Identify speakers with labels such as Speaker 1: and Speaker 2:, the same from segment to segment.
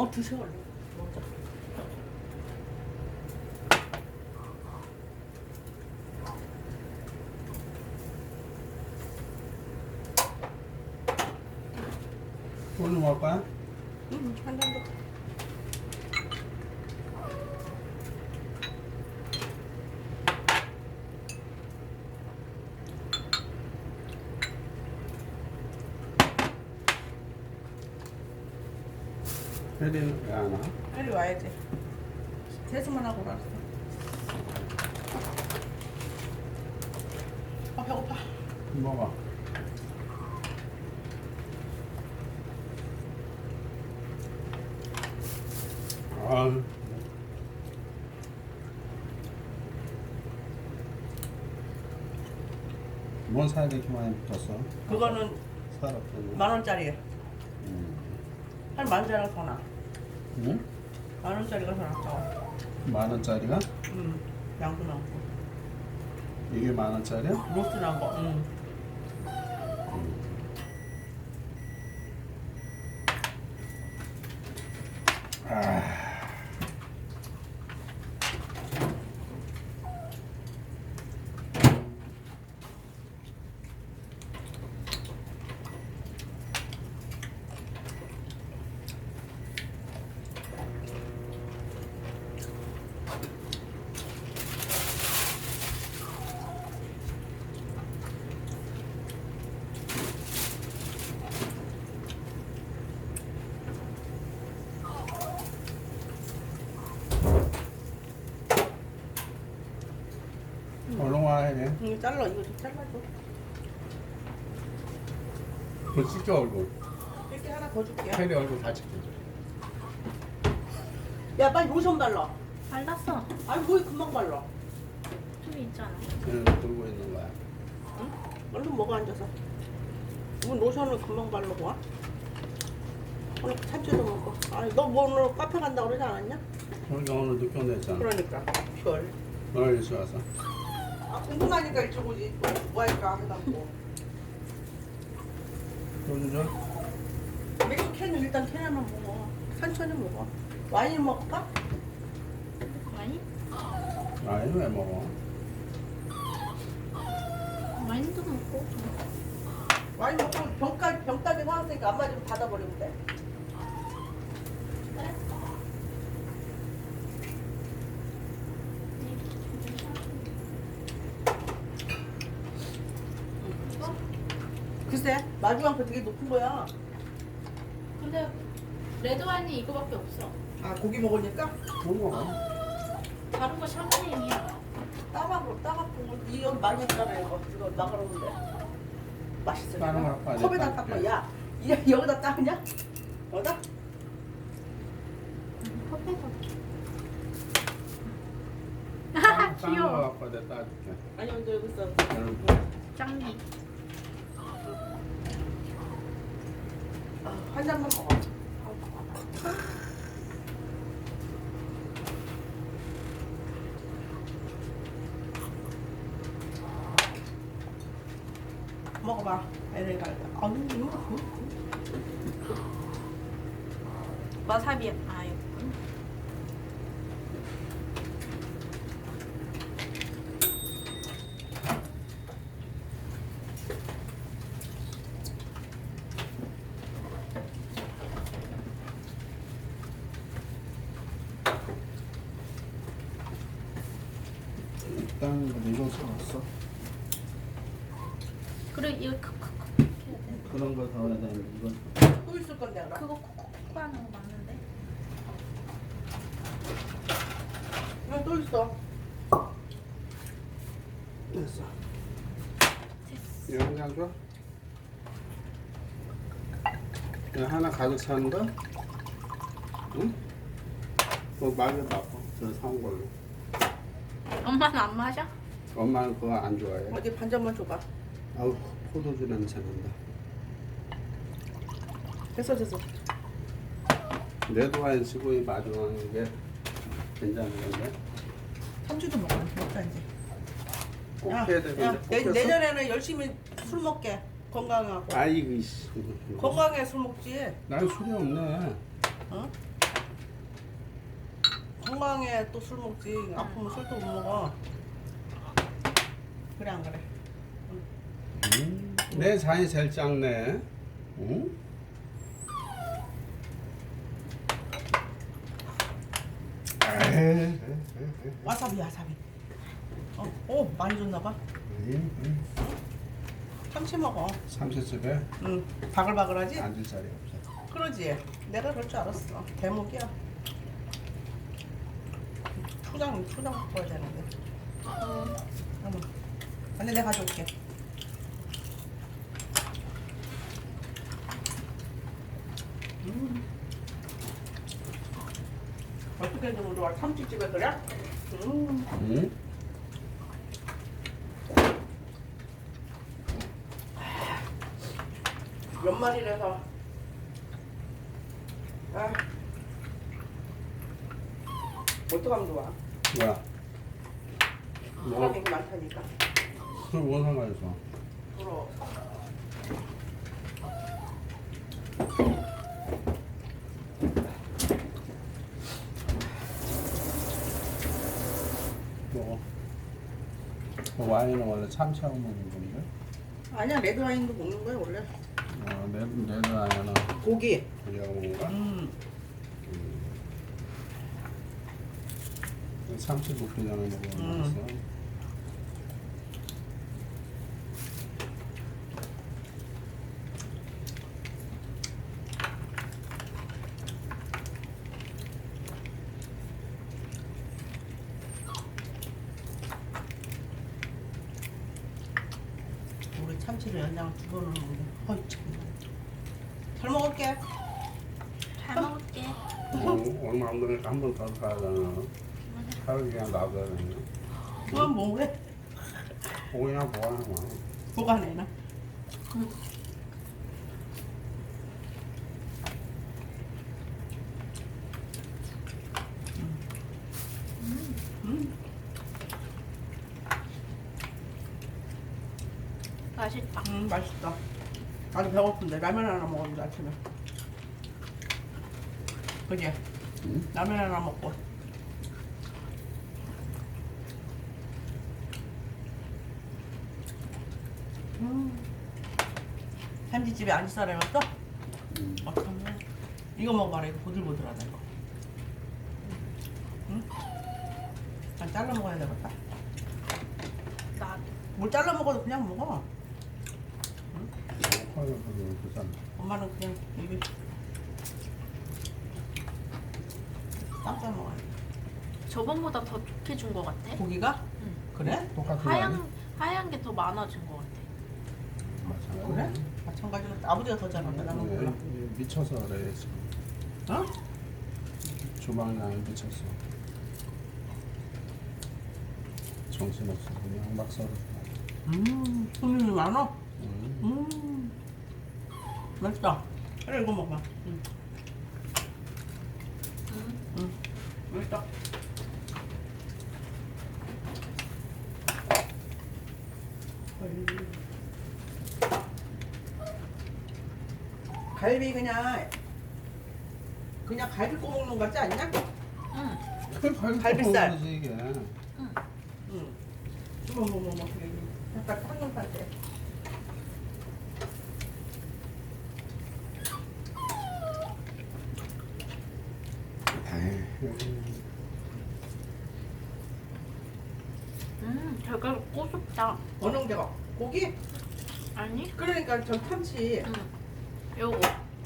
Speaker 1: 드세요 얼른. 먼저.
Speaker 2: 오늘 먹을 거야?
Speaker 1: 한 잔 더.
Speaker 2: 혜리는 왜 안 와?
Speaker 1: 빨리 와야지. 세수만 하고 왔어. 아 배고파.
Speaker 2: 먹어. 아, 뭔 살이 이렇게 많이 붙었어?
Speaker 1: 그거는
Speaker 2: 살 없더니.
Speaker 1: 10,000원짜리.
Speaker 2: 음.
Speaker 1: 한 10,000원짜리가 더 나.
Speaker 2: 응?
Speaker 1: 10,000원짜리가 더 낫다.
Speaker 2: 10,000원짜리가?
Speaker 1: 양도 많고.
Speaker 2: 이게 10,000원짜리야?
Speaker 1: 로스 난 거.
Speaker 2: 아. 얼른 와야 돼.
Speaker 1: 이거 잘라. 이거 좀 잘라줘.
Speaker 2: 그 찍혀 얼굴.
Speaker 1: 이렇게 하나 더 줄게.
Speaker 2: 혜리 얼굴 다 찍혀줘.
Speaker 1: 야 빨리 로션 발라.
Speaker 3: 발랐어.
Speaker 1: 아니 뭐 금방 발라.
Speaker 3: 좀 있잖아.
Speaker 2: 그냥 들고 있는 거야.
Speaker 1: 응? 얼른 먹어 앉아서. 뭐 로션을 금방 바르고 와? 오늘 참치도 먹고. 아니 너 뭐 오늘 카페 간다고 그러지 않았냐?
Speaker 2: 우리가 오늘 늦게 온댔잖아.
Speaker 1: 그러니까 별.
Speaker 2: 오늘 일찍 와서.
Speaker 1: 아 궁금하니까 일찍 오지. 뭐 할까 하다고.
Speaker 2: 소주 줘?
Speaker 1: 맥주 캔은 일단 캔 하나 먹어. 천천히 먹어. 와인 먹을까?
Speaker 3: 와인?
Speaker 2: 아니 왜 먹어?
Speaker 3: 와인도 먹고.
Speaker 1: 와인 먹고 병따기 사왔으니까 안마 좀 받아버리면 돼.
Speaker 3: 그래?
Speaker 1: 글쎄 마주한 거 되게 높은 거야.
Speaker 3: 근데 레드 와인이 이거밖에 없어.
Speaker 1: 아 고기 먹으니까
Speaker 2: 못 먹어.
Speaker 3: 다른 거 샴페인이야.
Speaker 1: 따갖고 이 여기 많이 있잖아 이거 나가라는데 맛있어.
Speaker 2: 다른 거 갖고 와야
Speaker 1: 컵에다
Speaker 2: 돼,
Speaker 1: 닦고
Speaker 2: 닦게.
Speaker 1: 야 여기다 닦냐? 여기다?
Speaker 3: 컵에서.
Speaker 2: 딴거
Speaker 3: 귀여워.
Speaker 2: 갖고 내가 따줄게.
Speaker 1: 아니 근데 여기 있어.
Speaker 3: 짱기.
Speaker 1: 한 잔만 먹어. 먹어봐. 애를 갈까? 아우
Speaker 3: 와사비. 아 이거.
Speaker 2: 일단 이거 사왔어.
Speaker 3: 그래 이거 콕콕콕
Speaker 2: 그런 거 사와야 되는데 이건
Speaker 1: 또 있을 건데 그럼.
Speaker 3: 그거 콕콕콕 하는 거 맞는데?
Speaker 1: 이거 또 있어.
Speaker 2: 됐어. 영장 줘? 이거 하나 가득 차는 거? 응? 그거 말을 바꿔. 저 사온 걸로.
Speaker 3: 엄마는 안 마셔?
Speaker 2: 엄마는 그거 안 좋아해.
Speaker 1: 어디 반 잔만 줘봐.
Speaker 2: 아우 포도주 냄새 난다.
Speaker 1: 됐어.
Speaker 2: 레드와인 쓰고 이 마주하는 게 괜찮은데?
Speaker 1: 삼주도 먹자 이제.
Speaker 2: 꼭
Speaker 1: 야,
Speaker 2: 해야 되는데
Speaker 1: 야,
Speaker 2: 꼭 했어?
Speaker 1: 내년에는 열심히 술 먹게. 건강하고.
Speaker 2: 아이고 이씨.
Speaker 1: 건강해 술 먹지.
Speaker 2: 난 술이 없네.
Speaker 1: 어? 건강에 또 술 먹지. 아프면 술도 못 먹어. 그래 안 그래?
Speaker 2: 내 잔이 제일 작네. 응? 에이,
Speaker 1: 와사비 와사비. 많이 줬나 봐. 참치 먹어.
Speaker 2: 삼시집에
Speaker 1: 응. 바글바글하지?
Speaker 2: 앉을 자리 없어.
Speaker 1: 그러지. 내가 그럴 줄 알았어. 대목이야. 초장 바꿔야 되는데. 어머. 근데 내가 가져올게. 어떻게 좀 우리 와 참치집에 그래?
Speaker 2: 응?
Speaker 1: 연말이라서. 아. 어떡하면 좋아?
Speaker 2: 뭐야?
Speaker 1: 사람이 많다니까.
Speaker 2: 그럼 뭔 상관있어?
Speaker 1: 부러워.
Speaker 2: 먹어. 그 와인은 원래 참치하고 먹는 건데?
Speaker 1: 아니야, 레드 와인도 먹는 거야 원래.
Speaker 2: 내는 아니야.
Speaker 1: 고기.
Speaker 2: 고기하고 먹는 거야? 참치 볶기 전에 먹었어.
Speaker 1: 우리 참치를 연장을 2번을 먹네. 어이 참. 잘 먹을게.
Speaker 3: 잘 먹을게.
Speaker 2: 얼마 안 되니까 한 번 더 사야 되나? 하루 그냥 놔둬야 되나?
Speaker 1: 그만 먹으래.
Speaker 2: 고기나 보관하나?
Speaker 1: 보관해놔.
Speaker 3: 맛있다.
Speaker 1: 맛있다. 아주 배고픈데 라면 하나 먹었는데 아침에. 그지? 라면 하나 먹고. 참치집에 안지살아였어? 어떡하냐? 이거 먹어봐라. 이거 보들보들하다 이거. 응? 난 잘라 먹어야 되겠다.
Speaker 3: 나도.
Speaker 1: 뭘 잘라 먹어도 그냥 먹어.
Speaker 2: 비싼.
Speaker 1: 엄마는 그냥 입에 쌈싸 먹어야 돼.
Speaker 3: 저번보다 더 좋게 준 것 같아.
Speaker 1: 고기가?
Speaker 3: 응.
Speaker 1: 그래?
Speaker 2: 똑같은 거 아니야?
Speaker 3: 하얀 게 더 많아진 것 같아.
Speaker 1: 그래? 마찬가지로 아버지가 더 잘한다. 나는 몰라.
Speaker 2: 미쳐서 그래 지금.
Speaker 1: 어?
Speaker 2: 주방장이 미쳤어. 정신없어. 그냥 막 썰어.
Speaker 1: 손님이 많아?
Speaker 2: 음.
Speaker 1: 맛있다. 그래 이거 먹어봐. 맛있다. 갈비 그냥 갈비 꼬먹는 거 같지 않냐?
Speaker 3: 응.
Speaker 1: 갈비살.
Speaker 2: 거지, 이게.
Speaker 1: 응. 뭐 약간 삼겹살 때.
Speaker 3: 되게 고소다.
Speaker 1: 어느 게가 고기?
Speaker 3: 아니?
Speaker 1: 그러니까 저 참치.
Speaker 3: 응. 요거.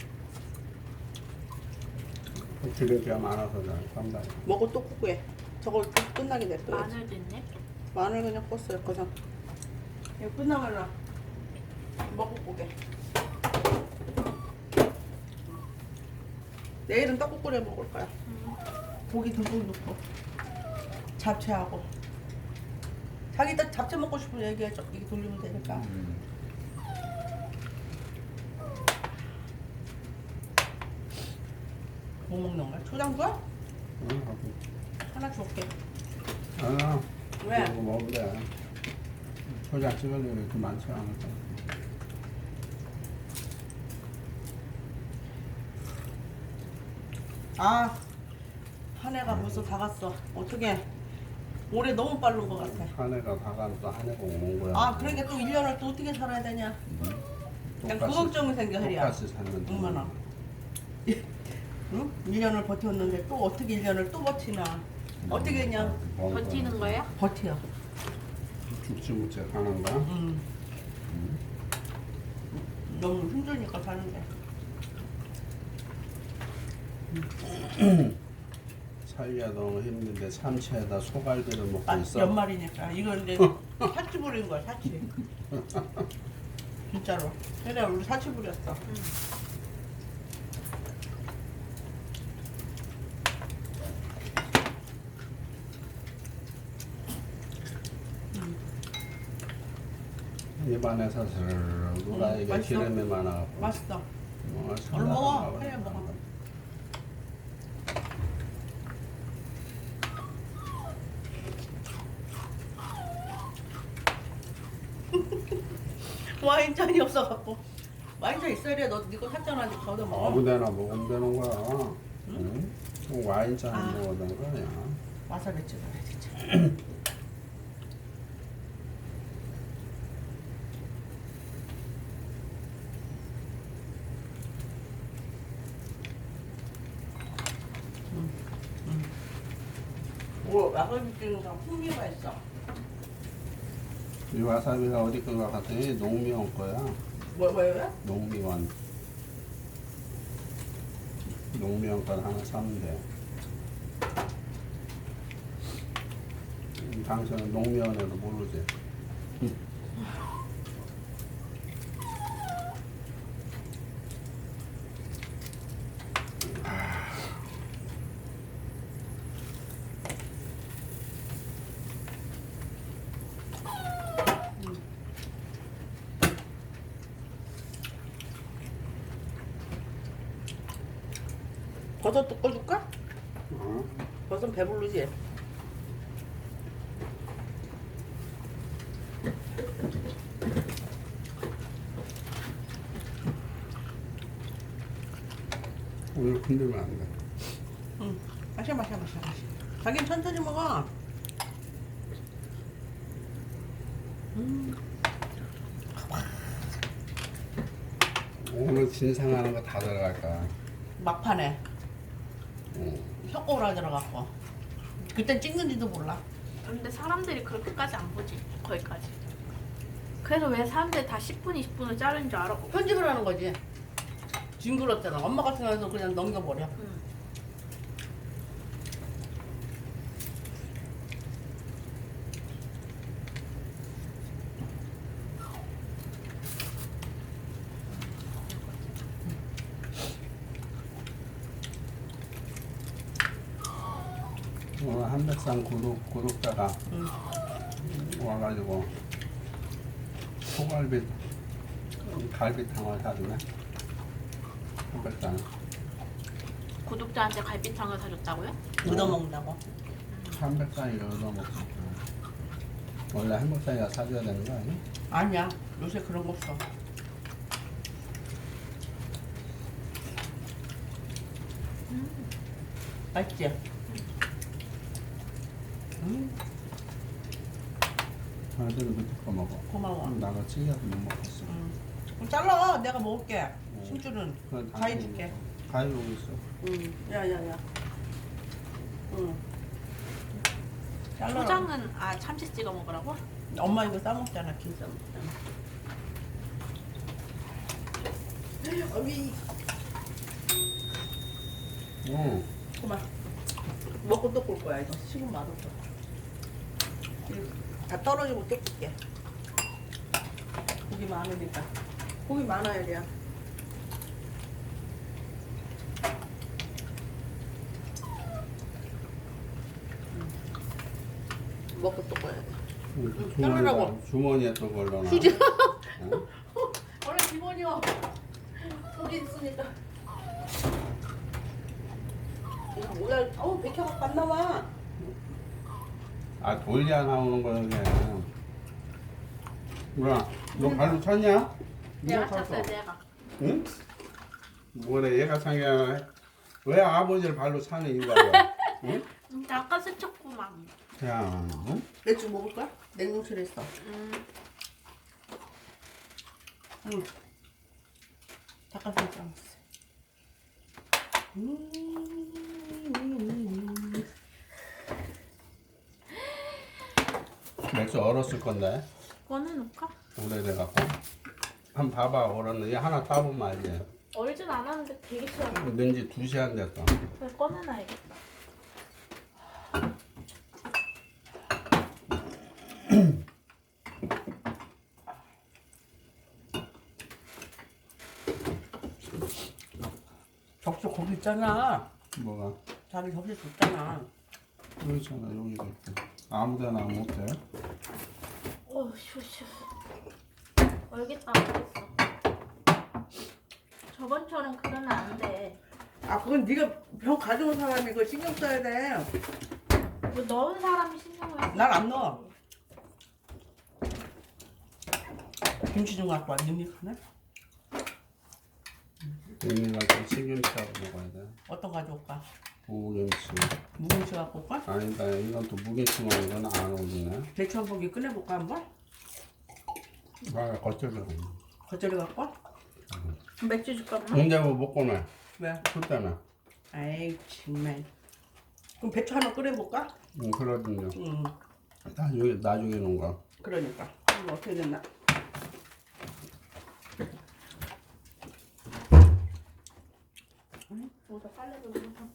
Speaker 2: 기대가 많아서 그래. 쌈장.
Speaker 1: 먹고 또 굽게. 저걸 또 끝나게 냅둬.
Speaker 3: 마늘도 있네.
Speaker 1: 마늘 그냥 껐어요. 거상. 이거 끝나면 먹고 굽게. 내일은 떡국 끓여 먹을 거야. 고기 듬뿍 넣고 잡채하고. 자기 딱 잡채 먹고 싶으면 얘기해. 이게 돌리면 되니까. 뭐 먹는 거야? 초장 줘? 하나 줄게.
Speaker 2: 아,
Speaker 1: 왜?
Speaker 2: 이거 먹으면 돼. 초장 찍을 일이 그렇게 많지 않을 거야.
Speaker 1: 아, 한 해가 벌써 다 갔어. 어떻게 올해 너무 빠른 것 같아.
Speaker 2: 한 해가 가가면 또 한 해가 오는 거야.
Speaker 1: 아 그러니까 또 1년을 또 어떻게 살아야 되냐. 그냥 그
Speaker 2: 똑같이-
Speaker 1: 걱정이 생겨 혜리야.
Speaker 2: 똑같이 살면 돼.
Speaker 1: 얼마나. 응? 1년을 버텼는데 또 어떻게 1년을 또 버티나. 어떻게 그냥
Speaker 3: 버티는 거예요?
Speaker 1: 버텨.
Speaker 2: 죽지 못해 가는 거야?
Speaker 1: 너무 힘드니까 사는데.
Speaker 2: 살기가 너무 힘든데 참치에다 소갈비를 먹고
Speaker 1: 아,
Speaker 2: 있어.
Speaker 1: 연말이니까 이거 이제 사치 부린 거야 사치. 진짜로. 혜리야 우리 사치 부렸어.
Speaker 2: 입안에서 스르르 누가 이게
Speaker 1: 맛있어?
Speaker 2: 기름이 많아갖고.
Speaker 1: 맛있어.
Speaker 2: 뭐,
Speaker 1: 얼른 먹어.
Speaker 2: 생각하나
Speaker 1: 혜리야
Speaker 2: 보네.
Speaker 1: 먹어. 와인잔이 없어갖고 와인잔 있어야 돼. 너 니거 샀잖아. 니 거기다 먹어.
Speaker 2: 아무데나 먹으면 되는 거야. 응? 와인잔
Speaker 1: 아.
Speaker 2: 먹어야 되는 거 아니야.
Speaker 1: 와사비 찍어야 진짜. 뭐 와사비 찍는 거 풍미가 있어.
Speaker 2: 이 와사비가 어디 건가 봤더니 농미원 거야.
Speaker 1: 뭐예요?
Speaker 2: 농미원. 농미원 걸 하나 사면 돼. 당신은 농미원에도 모르지.
Speaker 1: 버섯 볶아줄까?
Speaker 2: 어?
Speaker 1: 버섯 배부르지?
Speaker 2: 오늘 흔들면 안 돼.
Speaker 1: 응. 마셔. 자긴 천천히 먹어.
Speaker 2: 오늘 진상하는 거 다 들어갈 거야.
Speaker 1: 막판에
Speaker 2: 응.
Speaker 1: 혀꼬라 들어갔고 그땐 찍는지도 몰라.
Speaker 3: 근데 사람들이 그렇게까지 안 보지. 거기까지. 그래서 왜 사람들이 다 10분, 20분을 자르는 줄 알아?
Speaker 1: 편집을 하는 거지. 징그럽잖아. 엄마 같은 경우는 그냥 넘겨버려.
Speaker 3: 응.
Speaker 2: 오늘 한백산 구독자가
Speaker 1: 응.
Speaker 2: 와가지고 소갈비 갈비탕을 사주네. 한백산.
Speaker 3: 구독자한테 갈비탕을 사줬다고요?
Speaker 1: 얻어먹는다고.
Speaker 2: 한백산이 얻어먹고. 원래 한백산이가 사줘야 되는 거 아니야?
Speaker 1: 아니야. 요새 그런 거 없어. 맛있지?
Speaker 2: 아들은 밑에 거 먹어.
Speaker 1: 고마워.
Speaker 2: 나가 찌개도 못 먹었어.
Speaker 1: 그럼 잘라. 내가 먹을게. 심줄은
Speaker 2: 그건
Speaker 1: 가위
Speaker 2: 당연히
Speaker 1: 줄게.
Speaker 2: 먹어. 가위 여기 있어.
Speaker 1: 응. 야야야. 응. 잘라.
Speaker 3: 초장은 참치 찍어 먹으라고?
Speaker 1: 엄마 이거 싸먹잖아. 김 싸먹잖아. 어미.
Speaker 2: 응.
Speaker 1: 그만. 먹고 또 볼 거야. 이거 식은 맛없어. 다 떨어지고 또 꿀게. 고기 많으니까. 고기 많아야 돼. 먹고 또 꺼야 돼. 자르라고.
Speaker 2: 주머니에 또 걸러놔.
Speaker 1: 휴지.
Speaker 2: 응?
Speaker 1: 원래 기본이요. 고기 있으니까. 이거 뭐야? 백혀갖고 안 나와.
Speaker 2: 아 돌려야 나오는 거야 이게. 뭐야? 너 발로 찼냐?
Speaker 3: 내가
Speaker 2: 누가
Speaker 3: 찼어요,
Speaker 2: 찼어?
Speaker 3: 내가.
Speaker 2: 응? 뭐래 얘가 상해. 왜 아버지를 발로 차는 이유가 뭐야? 응?
Speaker 3: 잠깐 스쳤구만.
Speaker 2: 야, 응?
Speaker 1: 맥주 먹을 거야? 냉동실에 있어. 응. 닭가슴살 먹었어.
Speaker 2: 맥주 얼었을 건데
Speaker 3: 꺼내놓을까?
Speaker 2: 오래돼갖고 한번 봐봐 얼었는지 하나 따보면 알지.
Speaker 3: 얼진 않았는데 되게 시원해.
Speaker 2: 왠지 2시간 됐어.
Speaker 3: 그래서 꺼내놔야겠다.
Speaker 1: 접시 거기 있잖아.
Speaker 2: 뭐가?
Speaker 1: 자기 접시 줬잖아.
Speaker 2: 여기 있잖아 여기도 있고 아무데나 못 돼.
Speaker 3: 쉬워. 얼겠다. 저번처럼 그러면 안 돼.
Speaker 1: 아, 그건 네가 병 가져온 사람이 그거 신경 써야 돼.
Speaker 3: 뭐 넣은 사람이 신경을 써.
Speaker 1: 난 안 넣어. 김치 좀 갖고 와. 닝닝하네?
Speaker 2: 언니가 좀 시금치하고 먹어야 돼.
Speaker 1: 어떤 거 가져올까?
Speaker 2: 무김치.
Speaker 1: 무김치 갖고 올까?
Speaker 2: 아니다 이건 또 무김치만 이건 안 어울리네.
Speaker 1: 대추 한 포기 꺼내볼까 한번?
Speaker 2: 아 겉절이.
Speaker 1: 겉절이 갖고 와?
Speaker 3: 맥주 줄까? 엄마?
Speaker 2: 근데 뭐 먹고 나
Speaker 1: 왜?
Speaker 2: 술 때문에.
Speaker 1: 아이 정말. 그럼 배추 하나 끓여볼까?
Speaker 2: 응 그러든요.
Speaker 1: 응.
Speaker 2: 나중에 놓은 거.
Speaker 1: 그러니까. 이거 어떻게 됐나?
Speaker 3: 뭐다 빨래도 좀.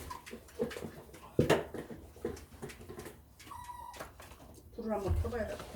Speaker 1: 불을 한번 켜봐야 돼.